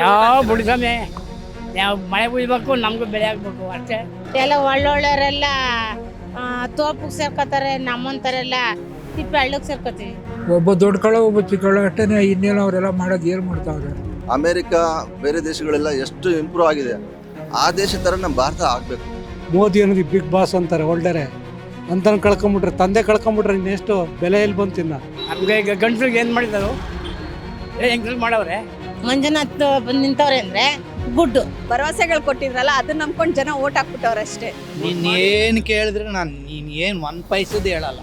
ಯಾವ ಬಿಡ್ಸಮೆ ಯಾವ ಮಳೆ ಬೀಳ್ಬೇಕು ನಮಗೂ ಬೆಳೆ ಆಗ್ಬೇಕು ಅಷ್ಟೇ. ಎಲ್ಲ ಒಳ್ಳೊಳ್ಳೆಯವರೆಲ್ಲ ತೋಪಿಗೆ ಸೇರ್ಕೋತಾರೆ, ನಮ್ಮಂತಾರೆಲ್ಲ ತಿಪ್ಪೆ ಹಳ್ಳಕ್ಕೆ ಸೇರ್ಕೋತೀವಿ. ಒಬ್ಬ ದೊಡ್ಡ ಕಳ ಒಬ್ಬ ಚಿಕ್ಕ ಕಳ ಅಷ್ಟೇ. ಇನ್ನೇನು ಅವರೆಲ್ಲ ಮಾಡೋದು ಏನು ಮಾಡ್ತಾವ್ರೆ. ಅಮೇರಿಕಾ ಬೇರೆ ದೇಶಗಳೆಲ್ಲ ಎಷ್ಟು ಇಂಪ್ರೂವ್ ಆಗಿದೆ, ಆ ದೇಶ ಥರ ನಮ್ಮ ಭಾರತ ಆಗಬೇಕು. ಮೋದಿ ಅನ್ನೋದು ಬಿಗ್ ಬಾಸ್ ಅಂತಾರೆ, ಒಳ್ಳೆರೆ ಅಂತ ಕಳ್ಕೊಂಬಿಟ್ರೆ, ತಂದೆ ಕಳ್ಕೊಂಬಿಟ್ರೆ ಇನ್ನೆಷ್ಟು ಬೆಲೆ ಎಲ್ಲಿ ಬಂತಿನ್ನ. ನಮಗೆ ಈಗ ಗಂಟ್ಲಿಗೆ ಏನು ಮಾಡಿದರು ಹೆಂಗ್ ಮಾಡವ್ರೆ. ಮಂಜುನಾಥ್ ಬಂದು ನಿಂತವ್ರೆ ಅಂದರೆ ಗುಡ್ಡು. ಭರವಸೆಗಳು ಕೊಟ್ಟಿದ್ರಲ್ಲ ಅದನ್ನ ನಂಬ್ಕೊಂಡು ಜನ ಓಟ್ ಹಾಕ್ಬಿಟ್ಟವ್ರೆ ಅಷ್ಟೇ. ನೀನೇನು ಕೇಳಿದ್ರೆ ನೀನು ಏನು ಒಂದು ಪೈಸದ್ದು ಹೇಳಲ್ಲ.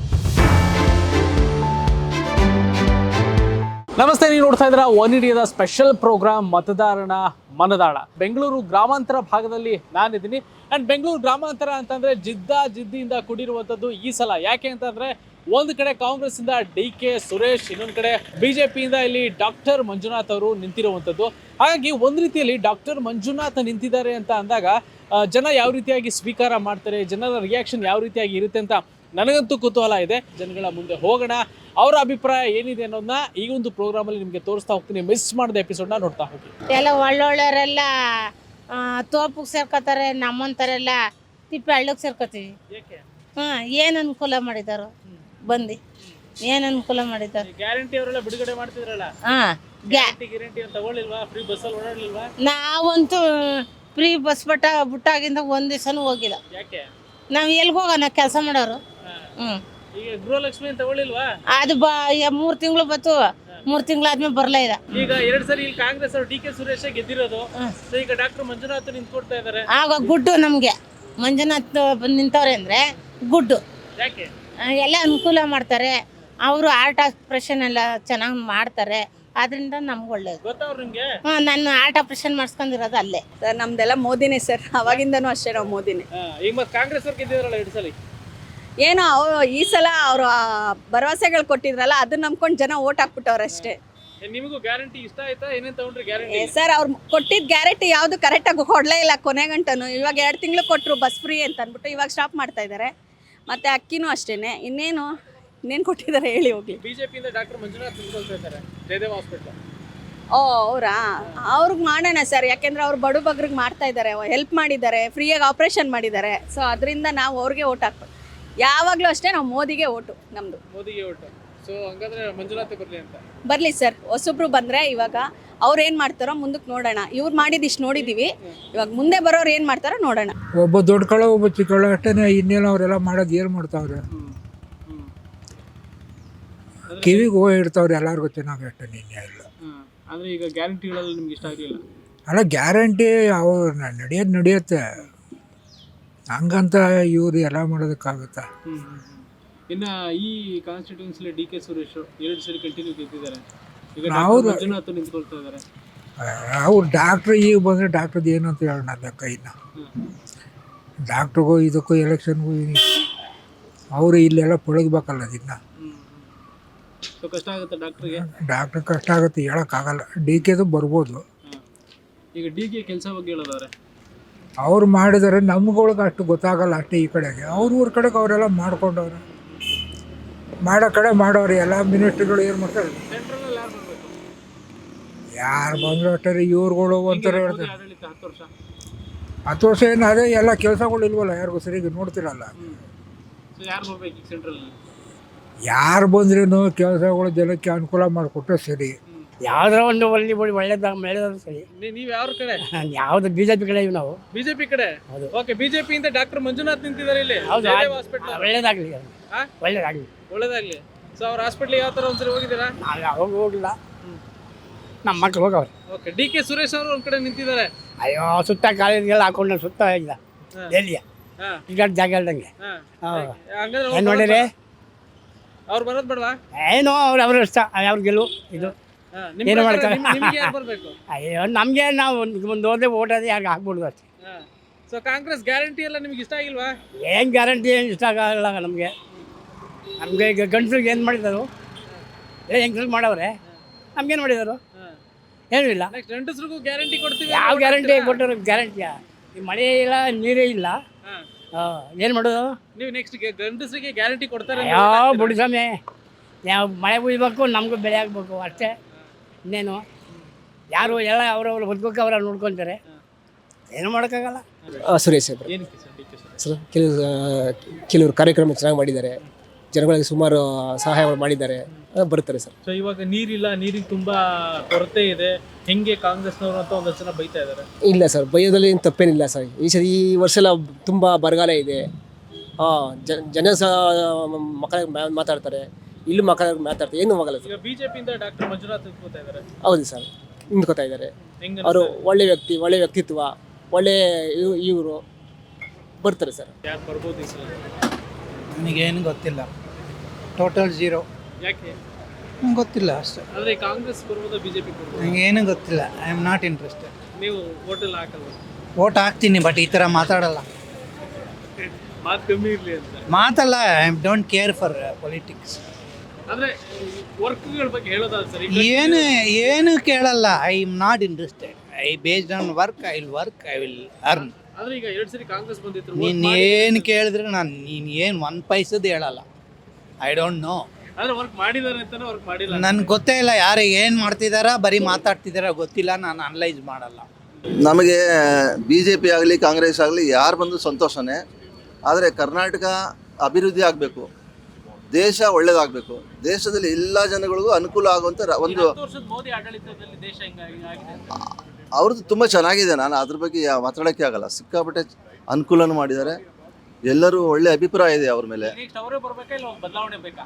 ನಮಸ್ತೆ, ನೀವು ನೋಡ್ತಾ ಇದ್ದೀರಾ ಒನ್ ಇಂಡಿಯಾದ ಸ್ಪೆಷಲ್ ಪ್ರೋಗ್ರಾಮ್ ಮತದಾರನ ಮನದಾಳ. ಬೆಂಗಳೂರು ಗ್ರಾಮಾಂತರ ಭಾಗದಲ್ಲಿ ನಾನಿದ್ದೀನಿ. ಆ್ಯಂಡ್ ಬೆಂಗಳೂರು ಗ್ರಾಮಾಂತರ ಅಂತಂದರೆ ಜಿದ್ದಿಯಿಂದ ಕೂಡಿರುವಂಥದ್ದು ಈ ಸಲ. ಯಾಕೆ ಅಂತಂದರೆ ಒಂದು ಕಡೆ ಕಾಂಗ್ರೆಸ್ಸಿಂದ DK ಸುರೇಶ್, ಇನ್ನೊಂದು ಕಡೆ BJPಯಿಂದ ಇಲ್ಲಿ ಡಾಕ್ಟರ್ ಮಂಜುನಾಥ್ ಅವರು ನಿಂತಿರುವಂಥದ್ದು. ಹಾಗಾಗಿ ಒಂದು ರೀತಿಯಲ್ಲಿ ಡಾಕ್ಟರ್ ಮಂಜುನಾಥ್ ನಿಂತಿದ್ದಾರೆ ಅಂತ ಅಂದಾಗ ಜನ ಯಾವ ರೀತಿಯಾಗಿ ಸ್ವೀಕಾರ ಮಾಡ್ತಾರೆ, ಜನರ ರಿಯಾಕ್ಷನ್ ಯಾವ ರೀತಿಯಾಗಿ ಇರುತ್ತೆ ಅಂತ ನನಗಂತೂ ಕುತೂಹಲ ಇದೆ. ಜನಗಳ ಮುಂದೆ ಹೋಗೋಣ, ಅವರ ಅಭಿಪ್ರಾಯ ಏನಿದೆ ಅನ್ನೋದನ್ನ ಈ ಒಂದು ಪ್ರೋಗ್ರಾಮಲ್ಲಿ ನಿಮಗೆ ತೋರಿಸ್ತಾ ಹೋಗ್ತೀನಿ. ಮಿಸ್ ಮಾಡಿದ ಎಪಿಸೋಡ್ನ ನೋಡ್ತಾ ಹೋಗಿ. ಎಲ್ಲ ಒಳ್ಳೊಳ್ಳೆಯವರೆಲ್ಲ ತೋಪಿಗೆ ಸೇರ್ಕೋತಾರೆ, ನಮ್ಮಂತಾರೆಲ್ಲ ತಿಪ್ಪೆ ಹಳ್ಳಕ್ಕೆ ಸೇರ್ಕೋತೀವಿ. ಏನು ಅನುಕೂಲ ಮಾಡಿದಾರೋ ಬಂದು, ಏನು ಅನುಕೂಲ ಮಾಡಿದ್ದಾರೆ. ಗ್ಯಾರಂಟಿ ಅವರೆಲ್ಲ ಬಿಡುಗಡೆ ಮಾಡ್ತಿದ್ರಲ್ಲ, ಗ್ಯಾರಂಟಿ ತಗೊಳ್ಳಿಲ್ವಾ? ಫ್ರೀ ಬಸ್ಸಲ್ಲಿ ಓಡಾಡ್ಲಿಲ್ವಾ? ನಾವಂತೂ ಫ್ರೀ ಬಸ್ ಬಿಟ್ಟಾಗಿಂದ ಒಂದು ದಿವಸನೂ ಹೋಗಿಲ್ಲ. ಯಾಕೆ? ನಾವು ಎಲ್ಲಿಗೆ ಹೋಗೋಣ ಕೆಲಸ ಮಾಡೋರು. ಈಗ ಗೃಹಲಕ್ಷ್ಮಿ ತಗೊಳ್ಳಿಲ್ವಾ? ಅದು 3 ತಿಂಗಳು ಬತ್ತು, 3 ತಿಂಗಳಾದ್ಮೇಲೆ ಬರಲೇ ಇಲ್ಲ. ಈಗ 2 ಸರಿ ಇಲ್ಲಿ ಕಾಂಗ್ರೆಸ್ ಅವರು DK ಸುರೇಶ್ ಗೆದ್ದಿರೋದು. ಈಗ ಡಾಕ್ಟರ್ ಮಂಜುನಾಥ್ ನಿಂತ್ಕೊಡ್ತಾ ಇದ್ದಾರೆ. ಆಗ ಗುಡ್ಡು ನಮಗೆ ಮಂಜುನಾಥ್ ಬಂದು ನಿಂತವ್ರೆ ಅಂದರೆ ಗುಡ್ಡು. ಯಾಕೆ? ಎಲ್ಲ ಅನುಕೂಲ ಮಾಡ್ತಾರೆ ಅವರು. ಆರ್ಟ್ ಆಪ್ರೇಷನ್ ಎಲ್ಲ ಚೆನ್ನಾಗಿ ಮಾಡ್ತಾರೆ, ಅದರಿಂದ ನಮ್ಗೆ ಒಳ್ಳೇದು. ಗೊತ್ತವ್ರು ನಿಮ್ಗೆ? ನಾನು ಆರ್ಟ್ ಆಪ್ರೇಷನ್ ಮಾಡಿಸ್ಕೊಂಡಿರೋದು ಅಲ್ಲೇ. ಸರ್ ನಮ್ದೆಲ್ಲ ಮೋದಿನೇ ಸರ್, ಅವಾಗಿಂದನೂ ಅಷ್ಟೇ ನಾವು ಮೋದಿನೇ. ಈಗ ಮತ್ತೆ ಕಾಂಗ್ರೆಸ್ ಅವ್ರು ಗೆದ್ದಿದ್ರಲ್ಲ 2 ಸಲ. ಏನೋ ಈ ಸಲ ಅವರು ಭರವಸೆಗಳು ಕೊಟ್ಟಿದ್ರಲ್ಲ ಅದನ್ನ ನಂಬ್ಕೊಂಡು ಜನ ಓಟ್ ಹಾಕ್ಬಿಟ್ಟವ್ರೆ ಅಷ್ಟೇ. ನಿಮಗೂ ಗ್ಯಾರಂಟಿ ಇಷ್ಟ ಆಯ್ತಾ? ಏನೇನು ತಗೊಂಡ್ರಿ ಗ್ಯಾರಂಟಿ? ಸರ್ ಅವ್ರು ಕೊಟ್ಟಿದ್ದ ಗ್ಯಾರಂಟಿ ಯಾವುದು ಕರೆಕ್ಟಾಗಿ ಕೊಡಲೇ ಇಲ್ಲ ಕೊನೆಗಂಟನು. ಇವಾಗ 2 ತಿಂಗಳು ಕೊಟ್ಟರು ಬಸ್ ಫ್ರೀ ಅಂತ ಅಂದ್ಬಿಟ್ಟು ಇವಾಗ ಸ್ಟಾಪ್ ಮಾಡ್ತಾ ಇದ್ದಾರೆ. ಮತ್ತು ಅಕ್ಕಿನೂ ಅಷ್ಟೇ. ಇನ್ನೇನು ಕೊಟ್ಟಿದ್ದಾರೆ ಹೇಳಿ ಹೋಗ್ಲಿ. BJPಯಿಂದ ಡಾಕ್ಟರ್ ಮಂಜುನಾಥ್ ನಿಂತ್ಕೊಳ್ತಾ ಇದ್ದಾರೆ ಜಯದೇವ ಹಾಸ್ಪಿಟಲ್. ಓ ಅವರಾ? ಅವ್ರಿಗೆ ಮಾಡೋಣ ಸರ್, ಯಾಕೆಂದ್ರೆ ಅವ್ರು ಬಡ ಬಗ್ರಿಗೆ ಮಾಡ್ತಾ ಇದ್ದಾರೆ, ಹೆಲ್ಪ್ ಮಾಡಿದ್ದಾರೆ, ಫ್ರೀಯಾಗಿ ಆಪ್ರೇಷನ್ ಮಾಡಿದ್ದಾರೆ. ಸೊ ಅದರಿಂದ ನಾವು ಅವ್ರಿಗೆ ಓಟ್ ಹಾಕ್ಬೇಕು. ಯಾವಾಗಲೂ ಅಷ್ಟೇ ನಾವು ಮೋದಿಗೆ ಓಟು ನಮ್ಮದು. ಮೋದಿಗೆ ಓಟು. ಸೊ ಹಂಗಾದ್ರೆ ಮಂಜುನಾಥ್ ಬರಲಿ ಅಂತ. ಬರಲಿ ಸರ್, ಹೊಸಬ್ರು ಬಂದರೆ ಇವಾಗ ಅವ್ರು ಏನು ಮಾಡ್ತಾರೋ ಮುಂದಕ್ಕೆ ನೋಡೋಣ. ಇವ್ರು ಮಾಡಿದಿಷ್ಟು ನೋಡಿದ್ದೀವಿ, ಇವಾಗ ಮುಂದೆ ಬರೋರು ಏನು ಮಾಡ್ತಾರೋ ನೋಡೋಣ. ಒಬ್ಬ ದೊಡ್ಡ ಕಳ ಒಬ್ಬ ಚಿಕ್ಕ ಕಳ ಅಷ್ಟೇ. ಇನ್ನೇನು ಅವರೆಲ್ಲ ಮಾಡೋದು ಏನು ಮಾಡ್ತಾವ್ರೆ. ಕಿವಿಗೆ ಹೋಗಿ ಇಡ್ತಾವ್ರೆ ಎಲ್ಲರಿಗೂ ಚೆನ್ನಾಗಿ ಅಷ್ಟೇ. ನಿನ್ನೆ ಇಲ್ಲ ಅಂದರೆ ಈಗ ಗ್ಯಾರಂಟಿಗಳೆಲ್ಲ ನಿಮ್ಗೆ ಇಷ್ಟ ಆಗಲಿಲ್ಲ? ಅಲ್ಲ, ಗ್ಯಾರಂಟಿ ಅವ್ರು ನಡೆಯುತ್ತೆ, ಹಂಗಂತ ಇವ್ರು ಎಲ್ಲ ಮಾಡೋದಕ್ಕಾಗುತ್ತಾ? ಇನ್ನು ಈ ಕಾನ್ಸ್ಟಿಟ್ಯೂನ್ಸಿಲಿ DK ಸುರೇಶ್ 2 ಸರಿ ಕಂಟಿನ್ಯೂ ಗೆದ್ದಿದ್ದಾರೆ. ಈಗ ಮಂಜುನಾಥ್ ನಿಂತ್ಕೊಳ್ತಾ ಇದ್ದಾರೆ. ಅವ್ರು ಡಾಕ್ಟ್ರು ಈಗ ಬಂದರೆ ಡಾಕ್ಟ್ರದ್ದು ಏನು ಅಂತ ಹೇಳೋಣ ಲೆಕ್ಕ. ಇನ್ನು ಡಾಕ್ಟ್ರಿಗೂ ಇದಕ್ಕೂ ಎಲೆಕ್ಷನ್ಗೂ ಅವರು ಇಲ್ಲೆಲ್ಲ ಪಳಗಬೇಕಲ್ಲ ಅದನ್ನು. ಸೊ ಕಷ್ಟ ಆಗುತ್ತೆ ಡಾಕ್ಟ್ರಿಗೆ. ಡಾಕ್ಟ್ರ್ ಕಷ್ಟ ಆಗುತ್ತೆ, ಹೇಳೋಕ್ಕಾಗಲ್ಲ. DKದು ಬರ್ಬೋದು. ಈಗ DK ಕೆಲಸ ಬಗ್ಗೆ ಹೇಳೋದವ್ರೆ, ಅವ್ರು ಮಾಡಿದರೆ ನಮ್ಗಳಿಗೆ ಅಷ್ಟು ಗೊತ್ತಾಗಲ್ಲ ಅಷ್ಟೇ. ಈ ಕಡೆಗೆ ಊರ ಕಡೆಗೆ ಅವರೆಲ್ಲ ಮಾಡ್ಕೊಂಡವ್ರೆ, ಮಾಡೋ ಕಡೆ ಮಾಡೋರು. ಎಲ್ಲ ಮಿನಿಸ್ಟ್ರಿಗಳು ಏನು ಮಾಡ್ತಾರೆ, ಸೆಂಟ್ರಲ್ ಯಾರು ಬರಬೇಕು? ಯಾರು ಬಂದರೂ ಅಷ್ಟೇ. ಇವ್ರುಗಳು ಒಂಥರ ಹೇಳ್ತಾರೆ ಆಡಳಿತ 10 ವರ್ಷ. 10 ವರ್ಷ ಏನು ಅದೇ ಎಲ್ಲ ಕೆಲಸಗಳು ಇಲ್ವಲ್ಲ, ಯಾರಿಗೂ ಸರಿಯಾಗಿ ನೋಡ್ತಿರಲ್ಲ. ಸೊ ಯಾರು ಬರ್ಬೇಕು ಈಗ ಸೆಂಟ್ರಲ್ಲಿ? ಯಾರು ಬಂದ್ರೂ ಕೆಲಸಗಳು ಜನಕ್ಕೆ ಅನುಕೂಲ ಮಾಡಿಕೊಟ್ರೆ ಸರಿ. ಯಾವ್ದಾರ ಒಂದು ಒಳ್ಳೇದಾಗ ಸರಿ. ನೀವು ಯಾವ ಕಡೆ? ಯಾವ್ದು BJP ಕಡೆ ಇವು ನಾವು. BJP ಕಡೆ? ಓಕೆ. BJPಯಿಂದ ಡಾಕ್ಟರ್ ಮಂಜುನಾಥ್ ನಿಂತಿದ್ದಾರೆ ಇಲ್ಲಿ ಹೌದು, ಹಾಸ್ಪಿಟಲ್. ಒಳ್ಳೇದಾಗಲಿ, ಒಳ್ಳೇದಾಗ್ಲಿ. ಸೊ ಅವ್ರ ಹಾಸ್ಪಿಟ್ಲಿಗೆ ಯಾವ ಥರ ಒಂದ್ಸರಿ ಹೋಗಿದ್ದೀರಾ? ನಾವು ಯಾವಾಗ ಹೋಗಿಲ್ಲ, ನಮ್ಮ ಮಕ್ಳು ಹೋಗವ್ರೆ. ಓಕೆ. DK ಸುರೇಶ್ ಅವರು ಒಂದು ಕಡೆ ನಿಂತಿದ್ದಾರೆ. ಅಯ್ಯೋ, ಸುತ್ತ ಕಾಲೇಜ್ಗೆಲ್ಲ ಹಾಕೊಂಡು ಸುತ್ತ ಇಲ್ಲ ಎಲ್ಲಿಯ ಈಗ ಜಾಗ ಹೇಳ್ದಂಗೆ. ಏನು ನೋಡಿರಿ, ಅವ್ರು ಬರೋದು ಬೇಡವಾ? ಏನೋ ಅವ್ರ ಇಷ್ಟ, ಅವ್ರ ಗೆಲುವು ಇದು. ಏನು ಮಾಡ್ತಾರೆ? ಬರ್ಬೇಕು. ಅಯ್ಯೋ, ನಮಗೆ ನಾವು ಒಂದು ಓದೇ ಓಟೋದೇ ಯಾಕೆ ಹಾಕ್ಬಿಡ್ದು ಅಷ್ಟೇ. ಸೊ ಕಾಂಗ್ರೆಸ್ ಗ್ಯಾರಂಟಿ ಎಲ್ಲ ನಿಮ್ಗೆ ಇಷ್ಟ ಆಗಿಲ್ವಾ? ಏನು ಗ್ಯಾರಂಟಿ ಏನು ಇಷ್ಟ ಆಗಲ್ಲ ನಮಗೆ. ಈಗ ಗಂಟ್ಲಿಗೆ ಏನು ಮಾಡಿದರು, ಹೆಂಗ್ ಮಾಡವ್ರೆ, ನಮ್ಗೇನು ಮಾಡಿದರು? ಏನೂ ಇಲ್ಲ. ಗಂಡಸ್ರಿಗೂ ಗ್ಯಾರಂಟಿ ಕೊಡ್ತೀವಿ. ಯಾವ ಗ್ಯಾರಂಟಿ ಕೊಟ್ಟರು? ಗ್ಯಾರಂಟಿಯಾ? ಈ ಮಳೆ ಇಲ್ಲ, ನೀರೇ ಇಲ್ಲ, ಏನು ಮಾಡೋದು? ನೀವು ನೆಕ್ಸ್ಟ್ ಗಂಡಸ್ರಿಗೆ ಗ್ಯಾರಂಟಿ ಕೊಡ್ತಾರೆ? ಯಾವ ಬಿಡ್ಸಮೆ ಯಾವ ಮಳೆ ಬೀಳ್ಬೇಕು ನಮಗೂ ಬೆಳೆ ಆಗಬೇಕು ಅಷ್ಟೇ. ಇನ್ನೇನು ಯಾರು ಎಲ್ಲ ಅವರವ್ರು ಬದುಕೋಕೆ ಅವರ ನೋಡ್ಕೊತಾರೆ, ಏನು ಮಾಡೋಕ್ಕಾಗಲ್ಲ. ಸುರೇಶ್ ಅವರು ಏನಕ್ಕೆ sir D K Suresh? Sir ಕೆಲವರು ಕಾರ್ಯಕ್ರಮ ಚೆನ್ನಾಗಿ ಮಾಡಿದ್ದಾರೆ, ಜನಗಳಿಗೆ ಸುಮಾರು ಸಹಾಯಗಳು ಮಾಡಿದ್ದಾರೆ, ಬರ್ತಾರೆ ಸರ್. ಸೊ ಇವಾಗ ನೀರಿಲ್ಲ, ನೀರಿಗೆ ತುಂಬಾ ಕೊರತೆ ಇದೆ, ಹೆಂಗೆ ಕಾಂಗ್ರೆಸ್ನವರು ಅಂತ ಒಂದಷ್ಟು ಜನ ಬೈತಾ ಇದ್ದಾರೆ. ಇಲ್ಲ ಸರ್, ಬೈಯೋದ್ರಲ್ಲಿ ಏನು ತಪ್ಪೇನಿಲ್ಲ ಸರ್. ಈ ವರ್ಷ ಎಲ್ಲ ತುಂಬ ಬರಗಾಲ ಇದೆ. ಜನ ಸಹ ಮಕ್ಕಳಿಗೆ ಮಾತಾಡ್ತಾರೆ, ಇಲ್ಲಿ ಮಕ್ಕಳಿಗೆ ಮಾತಾಡ್ತಾರೆ, ಏನು ಆಗಲ್ಲ ಸರ್. ಈಗ ಬಿಜೆಪಿಯಿಂದ ಡಾಕ್ಟರ್ ಮಂಜುನಾಥ್ ನಿಂತ್ಕೋತಾ ಇದ್ದಾರೆ. ಹೌದು ಸರ್, ನಿಂತ್ಕೋತಾ ಇದ್ದಾರೆ. ಹೆಂಗ ಅವರು ಒಳ್ಳೆ ವ್ಯಕ್ತಿತ್ವ, ಒಳ್ಳೆ ಇವರು ಬರ್ತಾರೆ ಸರ್. ಯಾರು ಬರ್ಬೋದು ಈ ಸಲ? ನನಗೇನು ಗೊತ್ತಿಲ್ಲ, ಟೋಟಲ್ ಝೀರೋ. ಯಾಕೆ? ನಂಗೆ ಗೊತ್ತಿಲ್ಲ ಅಷ್ಟೇ. ಆದ್ರೆ ಕಾಂಗ್ರೆಸ್ ಬರ್ಬೋದಾ ಬಿಜೆಪಿ ಬರ್ಬೋದು? ನನಗೇನು ಗೊತ್ತಿಲ್ಲ. I am not interested. ನೀವು ಹೋಟೆಲ್ ಹಾಕಲ್ವ? ವೋಟ್ ಹಾಕ್ತೀನಿ, ಬಟ್ ಈ ಥರ ಮಾತಾಡಲ್ಲ. ಮಾತು ಕಮ್ಮಿ ಇರಲಿ ಅಂತ ಮಾತಲ್ಲ. I don't care for politics. ಅಂದ್ರೆ ವರ್ಕ್ಗಳ ಬಗ್ಗೆ ಹೇಳೋದಾದ್ರೆ ಸರ್, ಏನು ಕೇಳಲ್ಲ. I am not interested. I based on work, I will work, I will earn. ಆದ್ರೆ ಈಗ 2 ಸರಿ ಕಾಂಗ್ರೆಸ್ ಬಂದಿದ್ರು, ನೀನು ಏನು ಕೇಳಿದ್ರೆ ನೀನು ಏನು 1 ಪೈಸದ್ದು ಹೇಳಲ್ಲ. I don't know. ಆದ್ರೆ ವರ್ಕ್ ಮಾಡಿದ್ದಾರೆ ಅಂತಾನೆ ವರ್ಕ್ ಮಾಡಿಲ್ಲ. ನನ್ಗೆ ಗೊತ್ತೇ ಇಲ್ಲ ಯಾರು ಏನು ಮಾಡ್ತಿದಾರ, ಬರೀ ಮಾತಾಡ್ತಿದಾರ ಗೊತ್ತಿಲ್ಲ. ನಾನು ಅನಲೈಸ್ ಮಾಡಲ್ಲ. ನಮಗೆ ಬಿ ಜೆ ಪಿ ಆಗಲಿ ಕಾಂಗ್ರೆಸ್ ಆಗಲಿ ಯಾರು ಬಂದು ಸಂತೋಷನೇ. ಆದರೆ ಕರ್ನಾಟಕ ಅಭಿವೃದ್ಧಿ ಆಗಬೇಕು, ದೇಶ ಒಳ್ಳೇದಾಗಬೇಕು, ದೇಶದಲ್ಲಿ ಎಲ್ಲ ಜನಗಳಿಗೂ ಅನುಕೂಲ ಆಗುವಂಥ ಒಂದು 10 ವರ್ಷದ ಮೋದಿ ಆಡಳಿತದಲ್ಲಿ ದೇಶ ಹೆಂಗಾಗಿದೆ? ಅವ್ರದ್ದು ತುಂಬ ಚೆನ್ನಾಗಿದೆ. ನಾನು ಅದ್ರ ಬಗ್ಗೆ ಮಾತಾಡೋಕ್ಕೆ ಆಗಲ್ಲ. ಸಿಕ್ಕಾಪಟ್ಟೆ ಅನುಕೂಲನೂ ಮಾಡಿದ್ದಾರೆ, ಎಲ್ಲರೂ ಒಳ್ಳೆ ಅಭಿಪ್ರಾಯ ಇದೆ ಅವ್ರ ಮೇಲೆ. ನೆಕ್ಸ್ಟ್ ಅವರೇ ಬರ್ಬೇಕಾ ಇಲ್ಲ ಬದಲಾವಣೆ ಬೇಕಾ?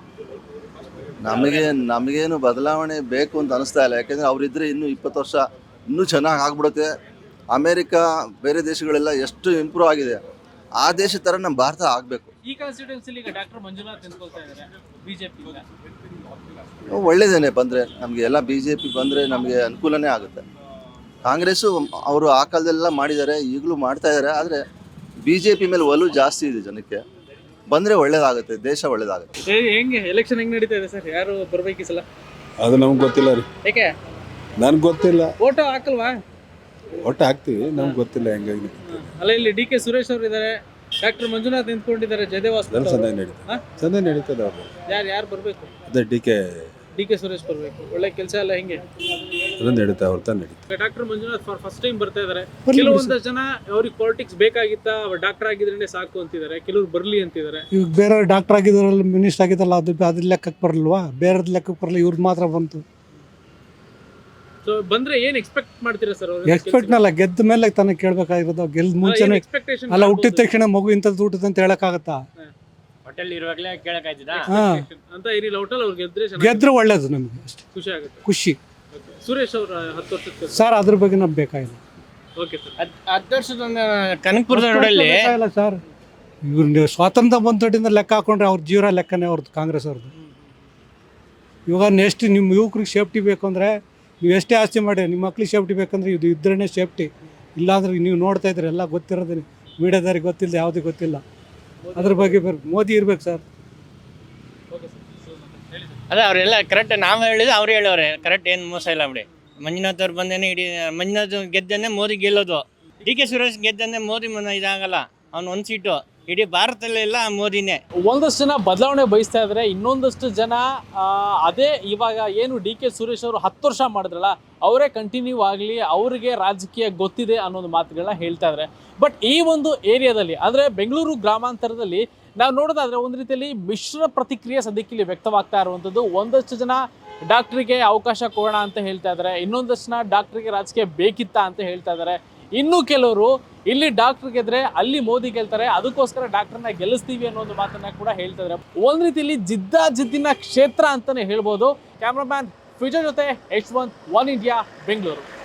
ನಮಗೇನು ಬದಲಾವಣೆ ಬೇಕು ಅಂತ ಅನಿಸ್ತಾ ಇಲ್ಲ. ಯಾಕೆಂದರೆ ಅವರಿದ್ದರೆ ಇನ್ನೂ 20 ವರ್ಷ ಇನ್ನೂ ಚೆನ್ನಾಗಿ ಆಗ್ಬಿಡುತ್ತೆ. ಅಮೇರಿಕಾ ಬೇರೆ ದೇಶಗಳೆಲ್ಲ ಎಷ್ಟು ಇಂಪ್ರೂವ್ ಆಗಿದೆ, ಆ ದೇಶ ಥರ ನಮ್ಮ ಭಾರತ ಆಗಬೇಕು. ಈ ಕಾನ್ಸ್ಟಿಟ್ಯೂನ್ಸಿಲಿ ಈಗ ಡಾಕ್ಟರ್ ಮಂಜುನಾಥ್ ನಿಂತ್ಕೊಳ್ತಾ ಇದ್ದಾರೆ ಬಿಜೆಪಿ. ಒಳ್ಳೇದೇನೆ ಬಂದರೆ ನಮಗೆ ಎಲ್ಲ ಬಿ ಜೆ ಪಿ ಬಂದರೆ ನಮಗೆ ಅನುಕೂಲನೇ ಆಗುತ್ತೆ. ಕಾಂಗ್ರೆಸ್ಸು ಅವರು ಆ ಕಾಲದಲ್ಲೆಲ್ಲ ಮಾಡಿದ್ದಾರೆ, ಈಗಲೂ ಮಾಡ್ತಾ ಇದ್ದಾರೆ. ಆದರೆ ಬಿ ಜೆ ಪಿ ಮೇಲೆ ಒಲವು ಜಾಸ್ತಿ ಇದೆ ಜನಕ್ಕೆ. ಬಂದರೆ ಒಳ್ಳೇದಾಗುತ್ತೆ, ದೇಶ ಒಳ್ಳೇದಾಗುತ್ತೆ. ಹೆಂಗೆ ಎಲೆಕ್ಷನ್ ಹೆಂಗೆ ನಡೀತಾ ಇದೆ ಸರ್? ಯಾರು ಬರ್ಬೇಕು ಈ ಸಲ? ಅದು ನಮ್ಗೆ ಗೊತ್ತಿಲ್ಲ ರೀ. ಯಾಕೆ? ನನ್ಗೆ ಗೊತ್ತಿಲ್ಲ. ಫೋಟೋ ಹಾಕಲ್ವಾ? ಒಟ್ಟು ಹಾಕ್ತೀವಿ, ನಮ್ಗೆ ಗೊತ್ತಿಲ್ಲ ಹೆಂಗಾಗಿ. ಅಲ್ಲ, ಇಲ್ಲಿ ಡಿ ಕೆ ಸುರೇಶ್ ಅವರು ಇದ್ದಾರೆ, ಡಾಕ್ಟರ್ ಮಂಜುನಾಥ್ ನಿಂತ್ಕೊಂಡಿದ್ದಾರೆ, ಜಯದೇವ ಸಂದೇ ನಡೀತದೆ, ಸಂದೇ ನಡೀತದೆ. ಅವರು ಯಾರು ಬರ್ಬೇಕು? ಅದೇ ಡಿ ಕೆ ಸುರೇಶ್ ಬರ್ಬೇಕು. ಒಳ್ಳೆ ಕೆಲಸ ಎಲ್ಲ ಹೆಂಗೆ ಅದು ನಡೀತಾ ಅವ್ರ ನಡೀತದೆ. ಡಾಕ್ಟರ್ ಮಂಜುನಾಥ್ ಫಸ್ಟ್ ಟೈಮ್ ಬರ್ತಾ ಇದ್ದಾರೆ. ಕೆಲವೊಂದಷ್ಟು ಜನ ಅವ್ರಿಗೆ ಪಾಲಿಟಿಕ್ಸ್ ಬೇಕಾಗಿತ್ತಾ, ಡಾಕ್ಟರ್ ಆಗಿದ್ರೆ ಸಾಕು ಅಂತಿದ್ದಾರೆ, ಕೆಲವ್ರು ಬರ್ಲಿ ಅಂತಿದ್ದಾರೆ. ಈಗ ಬೇರೆ ಡಾಕ್ಟರ್ ಆಗಿದ್ರಲ್ಲಿ ಮಿನಿಸ್ಟರ್ ಆಗಿದ್ದಲ್ಲ, ಅದ್ರ ಲೆಕ್ಕಕ್ಕೆ ಬರಲ್ವಾ? ಬೇರೆದ್ ಲೆಕ್ಕಕ್ಕೆ ಬರಲ್ಲ, ಇವ್ರದ್ದು ಮಾತ್ರ ಬಂತು. ಸೊ ಬಂದ್ರೆ ಏನ್ ಎಕ್ಸ್ಪೆಕ್ಟ್ ಮಾಡ್ತೀರಾ ಸರ್? ಎಕ್ಸ್ಪೆಕ್ಟ್ನಲ್ಲ, ಗೆದ್ದ ಮೇಲೆ ತಾನೇ ಕೇಳ್ಬೇಕಾಗಿರೋದು. ಗೆಲ್ದ ಮುಂಚೆನೆ ಅಲ್ಲ, ಹುಟ್ಟಿದ ತಕ್ಷಣ ಮಗು ಇಂಥದ್ದು ಊಟದ ಅಂತ ಹೇಳಕ್ಕಾಗತ್ತಾ? ಹೋಟೆಲ್ ಇರುವಾಗಲೇ ಕೇಳಕ್ಕಾಯ್ತದ ಅಂತ ಏನಿಲ್ಲ. ಹೋಟೆಲ್ ಅವ್ರು ಗೆದ್ರೆ ಒಳ್ಳೇದು, ನಮಗೆ ಅಷ್ಟೇ ಖುಷಿ ಆಗುತ್ತೆ. ಖುಷಿ. ಸುರೇಶ್ ಅವ್ರ 10 ವರ್ಷದ ಸರ್, ಅದ್ರ ಬಗ್ಗೆ ನಮ್ಗೆ ಬೇಕಾಗಿಲ್ಲ. Okay sir. 10 ವರ್ಷದ ಕನಕಪುರದ ರೋಡಲ್ಲಿ ಇಲ್ಲ ಸರ್, ಇವ್ರು ಸ್ವಾತಂತ್ರ್ಯ ಬಂದೊಟ್ಟಿಂದ ಲೆಕ್ಕ ಹಾಕೊಂಡ್ರೆ ಅವ್ರ ಜೀವನ ಲೆಕ್ಕನೇ ಅವ್ರದ್ದು, ಕಾಂಗ್ರೆಸ್ ಅವ್ರದ್ದು. ಇವಾಗ ನೆಕ್ಸ್ಟ್ ನಿಮ್ಮ ಯುವಕರಿಗೆ ಸೇಫ್ಟಿ ಬೇಕು ಅಂದರೆ ನೀವು ಎಷ್ಟೇ ಆಸ್ತಿ ಮಾಡಿ, ನಿಮ್ಮ ಮಕ್ಳಿಗೆ ಸೇಫ್ಟಿ ಬೇಕಂದ್ರೆ ಇದು ಇದ್ರೇ ಸೇಫ್ಟಿ. ಇಲ್ಲಾಂದ್ರೆ ನೀವು ನೋಡ್ತಾ ಇದ್ರೆ ಎಲ್ಲ ಗೊತ್ತಿರೋದೇ, ಮೀಡಿಯಾದವ್ರಿಗೆ ಗೊತ್ತಿಲ್ಲ, ಯಾವುದೂ ಗೊತ್ತಿಲ್ಲ. ಅದ್ರ ಬಗ್ಗೆ ಮೋದಿ ಇರ್ಬೇಕು ಸರ್. ಅದೇ ಅವರೆಲ್ಲ ಕರೆಕ್ಟ್, ನಾವು ಹೇಳಿದ್ರೆ ಅವ್ರು ಹೇಳೋರೆ ಕರೆಕ್ಟ್, ಏನು ಮೋಸ ಇಲ್ಲ ಬಿಡಿ. ಮಂಜುನಾಥ್ ಅವ್ರು ಬಂದೇನೆ ಇಡೀ ಮಂಜುನಾಥ್ ಗೆದ್ದನ್ನೇ ಮೋದಿ ಗೆಲ್ಲೋದು. ಡಿ ಕೆ ಸುರೇಶ್ ಗೆದ್ದನ್ನೇ ಮೋದಿ ಇದಾಗಲ್ಲ. ಅವ್ನು 1 ಸೀಟು ಇಡೀ ಭಾರತದಲ್ಲೆಲ್ಲ ಮೋದಿನೇ. ಒಂದಷ್ಟು ಜನ ಬದಲಾವಣೆ ಬಯಸ್ತಾ ಇದ್ದಾರೆ, ಇನ್ನೊಂದಷ್ಟು ಜನ ಅದೇ ಇವಾಗ ಏನು ಡಿ ಕೆ ಸುರೇಶ್ ಅವರು 10 ವರ್ಷ ಮಾಡಿದ್ರಲ್ಲ ಅವರೇ ಕಂಟಿನ್ಯೂ ಆಗಲಿ, ಅವರಿಗೆ ರಾಜಕೀಯ ಗೊತ್ತಿದೆ ಅನ್ನೋದು ಮಾತುಗಳನ್ನ ಹೇಳ್ತಾ ಇದ್ದಾರೆ. ಬಟ್ ಈ ಒಂದು ಏರಿಯಾದಲ್ಲಿ ಅಂದರೆ ಬೆಂಗಳೂರು ಗ್ರಾಮಾಂತರದಲ್ಲಿ ನಾವು ನೋಡೋದಾದ್ರೆ ಒಂದು ರೀತಿಯಲ್ಲಿ ಮಿಶ್ರ ಪ್ರತಿಕ್ರಿಯೆ ಸದ್ಯಕ್ಕೆ ಇಲ್ಲಿ ವ್ಯಕ್ತವಾಗ್ತಾ ಇರುವಂಥದ್ದು. ಒಂದಷ್ಟು ಜನ ಡಾಕ್ಟ್ರಿಗೆ ಅವಕಾಶ ಕೊಡೋಣ ಅಂತ ಹೇಳ್ತಾ ಇದ್ದಾರೆ, ಇನ್ನೊಂದಷ್ಟು ಜನ ಡಾಕ್ಟ್ರಿಗೆ ರಾಜಕೀಯ ಬೇಕಿತ್ತಾ ಅಂತ ಹೇಳ್ತಾ ಇದ್ದಾರೆ. ಇನ್ನು ಕೆಲವರು ಇಲ್ಲಿ ಡಾಕ್ಟರ್ ಗೆದ್ರೆ ಅಲ್ಲಿ ಮೋದಿ ಗೆಲ್ತಾರೆ, ಅದಕ್ಕೋಸ್ಕರ ಡಾಕ್ಟರ್ನ ಗೆಲ್ಲಿಸ್ತೀವಿ ಅನ್ನೋ ಒಂದು ಮಾತನ್ನ ಕೂಡ ಹೇಳ್ತಾ ಇದ್ದಾರೆ. ಒಂದು ರೀತಿಯಲ್ಲಿ ಜಿದ್ದಿನ ಕ್ಷೇತ್ರ ಅಂತಾನೆ ಹೇಳ್ಬೋದು. ಕ್ಯಾಮ್ರಾಮ್ಯಾನ್ ವಿಜಯ್ ಜೊತೆ H1 ಒನ್ ಇಂಡಿಯಾ, ಬೆಂಗಳೂರು.